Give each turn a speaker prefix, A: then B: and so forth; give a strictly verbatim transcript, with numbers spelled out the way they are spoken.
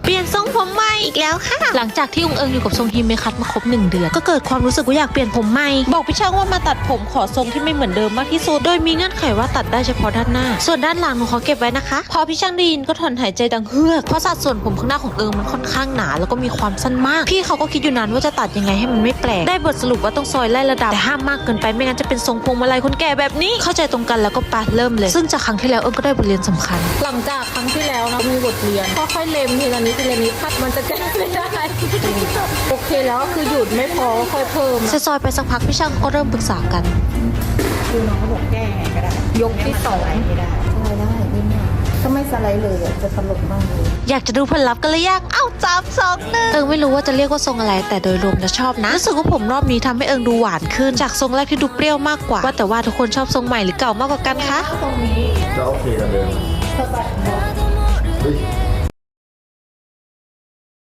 A: เปลี่ยนทรงผมใหม่อีกแล้วค่ะหลังจากที่องเอิงอยู่กับทรงฮิเมคัตมาครบหนึ่งเดือนก็เกิดความรู้สึกว่าอยากเปลี่ยนผมใหม่บอกพี่ช่างว่ามาตัดผมขอทรงที่ไม่เหมือนเดิมมากที่สุดโดยมีเงื่อนไขว่าตัดได้เฉพาะด้านหน้าส่วนด้านหลังหนูขอเก็บไว้นะคะพอพี่ช่างได้ยินก็ถอนหายใจดังเฮือกเพราะสัดส่วนผมข้างหน้าของเอิงมันค่อนข้างหนาแล้วก็มีความสั้นมากพี่เขาก็คิดอยู่นานว่าจะตัดยังไงให้มันไม่แปลกได้บทสรุปว่าต้องซอยไล่ระดับแต่ห้ามมากเกินไปไม่งั้นจะเป็นทรงพวงมาลัยคนแก่แบบนี้เข้าใจตรงกันแล้วก็ปะเริ่มเลยซึ่งจากครั้งที่แล้วเอิงก็ได้บทเรียนสำคัญ
B: หลังจากครั้งที่แล้วนะมีบทเรียนค่อยๆเล็มทีละนิดทีละนิดพัดมันจะแก้ไม่ได้โอเคแล้วก็คือหยุดไม่พอค่อยเพิ่ม
A: ซอยไปสักพักพี่ช่างก็เริ่มปรึกษากัน
C: คือน้องเขาบอกแก้ไงก็ได้
B: ยกที่สอง
C: ไม่ได้
B: สไลด์ได้นิดหน่อยถ้าไม่สไลด์เลยจะตลกมากเลย
A: อยากจะดูผลลัพธ์กันเลยยังเอ้าจับสองหนึ่งเอิงไม่รู้ว่าจะเรียกว่าทรงอะไรแต่โดยรวมจะชอบนะรู้สึกว่าผมรอบนี้ทำให้เอิงดูหวานขึ้นจากทรงแรกที่ดูเปรี้ยวมากกว่าว่าแต่ว่าทุกคนชอบทรงใหม่หรือเก่ามากกว่ากันคะ
C: ตรงนี้
D: ก็โอเคกันเลย
B: สบาย